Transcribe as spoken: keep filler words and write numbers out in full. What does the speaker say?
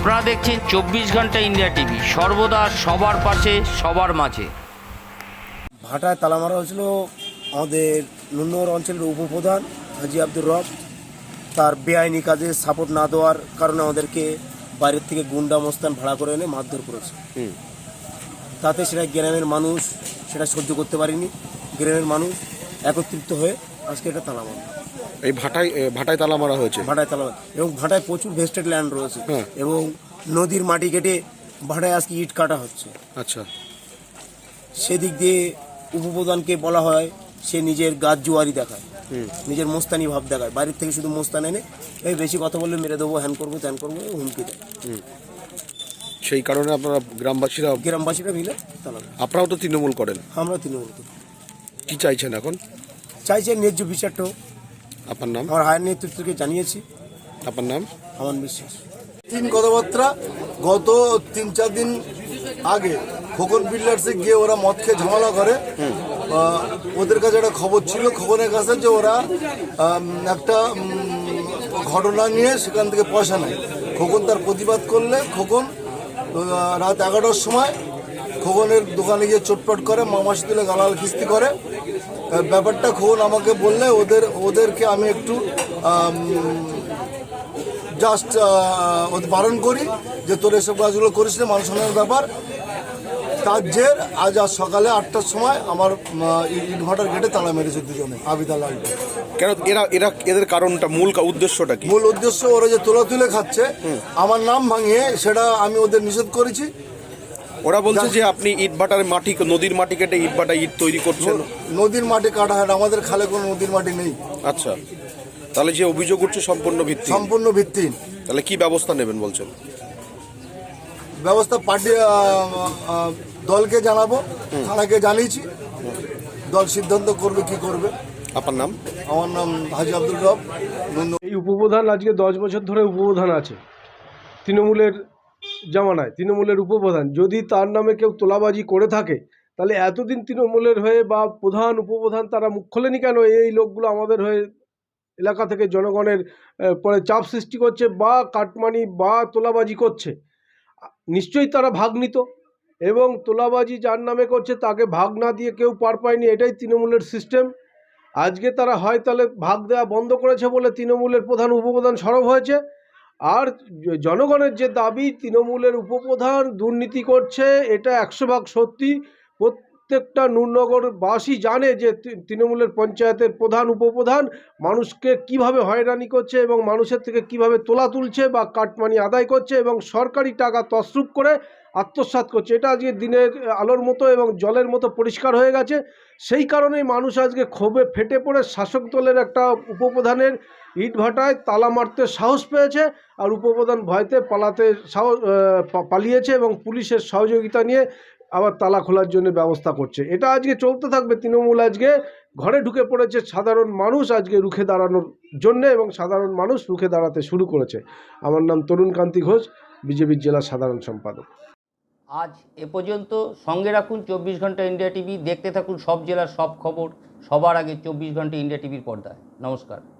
আপনারা দেখছেন চব্বিশ ঘন্টা ইন্ডিয়া টিভি, সর্বদা সবার পাশে সবার মাঝে। ভাটায় তালা মারা হয়েছিল আমাদের নুনগর অঞ্চলের উপপ্রধান হাজি আব্দুর রব। তার বেআইনি কাজে সাপোর্ট না দেওয়ার কারণে আমাদেরকে বাইরের থেকে গুন্ডা মস্তান ভাড়া করে এনে মারধর করেছে। তাতে সেটা গ্রামের মানুষ সেটা সহ্য করতে পারেনি। গ্রামের মানুষ একত্রিত হয়ে আজকে এটা তালা মারা। এই ভাটায় ভাটায় তালা মারা হয়েছে। ভাটায় তালা এবং ভাটায় প্রচুর ভেস্টেড ল্যান্ড রয়েছে এবং নদীর মাটি কেটে ভাটায় আজকে ইট কাটা হচ্ছে। আচ্ছা, সেদিক দিয়ে উপপ্রধানকে বলা হয় সে নিজের গাছ জুয়ারি দেখায়, নিজের মোস্তানি ভাব দেখায়। বাইরের থেকে শুধু মোস্তান এনে এই বেশি কথা বললে মেরে দেবো, হ্যান করবো ত্যান করবো, হুমকি দেয়। সেই কারণে আপনারা গ্রামবাসীরা গ্রামবাসীরা মিলে তালা। আপনারাও তো তৃণমূল করেন, আমরা তৃণমূল করি। কি চাইছেন এখন? চাইছে ন্যায্য বিচারটা হোক। আপনার নাম? আমার হায়ার নেতৃত্বকে জানিয়েছি। আপনার নাম? আমার বিশ্বাস। তিন কথাবার্তা গত তিন চার দিন আগে খোকন বিল্ডার্সে গিয়ে ওরা মদ খেয়ে ঝামেলা করে। আহ, ওদের কাছে একটা খবর ছিল, খোকনের কাছে, যে ওরা আম, একটা উম, ঘটনা নিয়ে সেখান থেকে পয়সা নেয়। খোকন তার প্রতিবাদ করলে খোকন আহ, রাত এগারোটার সময় খোকনের দোকানে গিয়ে চটপট করে, মামাসি তুলে গালাল খিস্তি করে। আহ, ব্যাপারটা খোকন আমাকে বললে ওদের ওদেরকে আমি একটু আম, জাস্ট ওদের বারণ করি যে তোর এসব কাজগুলো করিস না, মান সম্মানের ব্যাপার। তার জের আজ আজ সকালে আটটার সময় আমার ইনভার্টার গেটে তালা মেরেছে দুজনে, আবিদা লালটা। কেন এরা এরা এদের কারণটা, মূল উদ্দেশ্যটা কি? মূল উদ্দেশ্য ওরা যে তোলা তুলে খাচ্ছে, আমার নাম ভাঙিয়ে, সেটা আমি ওদের নিষেধ করেছি। ওরা বলছে যে আপনি ইট ভাটার মাটি, নদীর মাটি কেটে ইট ভাটা ইট তৈরি করছেন। নদীর মাটি কাটা হয় না, আমাদের খালে কোনো নদীর মাটি নেই। আচ্ছা, তাহলে যে অভিযোগ উঠছে সম্পূর্ণ ভিত্তি সম্পূর্ণ ভিত্তিহীন। তাহলে কি ব্যবস্থা নেবেন বলছেন? ব্যবস্থা পার্টি দলকে জানাবো, থানাকে জানিয়েছি, দল সিদ্ধান্ত করবে কি করবে। আপনার নাম? আমার নাম হাজি আব্দুর রব। এই উপপ্রধান আজকে দশ বছর ধরে উপপ্রধান আছে তৃণমূলের জামানায়, তৃণমূলের উপপ্রধান। যদি তার নামে কেউ তোলাবাজি করে থাকে তাহলে এতদিন তৃণমূলের হয়ে বা প্রধান উপপ্রধান তারা মুখ খোলেনি কেন? এই লোকগুলো আমাদের হয়ে এলাকা থেকে জনগণের পরে চাপ সৃষ্টি করছে বা কাটমানি বা তোলাবাজি করছে। নিশ্চয়ই তারা ভাগ নিত, এবং তোলাবাজি যার নামে করছে তাকে ভাগ না দিয়ে কেউ পার পায়নি, এটাই তৃণমূলের সিস্টেম। আজকে তারা হয় তাহলে ভাগ দেওয়া বন্ধ করেছে বলে তৃণমূলের প্রধান উপপ্রধান সরব হয়েছে। আর জনগণের যে দাবি তৃণমূলের উপপ্রধান দুর্নীতি করছে, এটা একশো ভাগ সত্যি। প্রত্যেকটা নুরনগরবাসী জানে যে তৃণমূলের পঞ্চায়েতের প্রধান উপপ্রধান মানুষকে কিভাবে হয়রানি করছে এবং মানুষের থেকে কিভাবে তোলা তুলছে বা কাটমানি আদায় করছে এবং সরকারি টাকা তছরূপ করে আত্মসাৎ করছে। এটা আজকে দিনের আলোর মতো এবং জলের মতো পরিষ্কার হয়ে গেছে। সেই কারণেই মানুষ আজকে ক্ষোভে ফেটে পড়ে শাসক দলের একটা উপপ্রধানের ইটভাটায় তালা মারতে সাহস পেয়েছে, আর উপপ্রধান ভয়তে পালাতে সাহস পালিয়েছে এবং পুলিশের সহযোগিতা নিয়ে আবার তালা খোলার জন্য ব্যবস্থা করছে। এটা আজকে চলতে থাকবে। তৃণমূল আজকে ঘরে ঢুকে পড়েছে সাধারণ মানুষ আজকে রুখে দাঁড়ানোর জন্য, এবং সাধারণ মানুষ রুখে দাঁড়াতে শুরু করেছে। আমার নাম তরুণ কান্তি ঘোষ, বিজেপির জেলা সাধারণ সম্পাদক। আজ এ পর্যন্ত। সঙ্গে রাখুন চব্বিশ ঘন্টা ইন্ডিয়া টিভি, দেখতে থাকুন সব জেলার সব খবর সবার আগে চব্বিশ ঘন্টা ইন্ডিয়া টিভির পর্দায়। নমস্কার।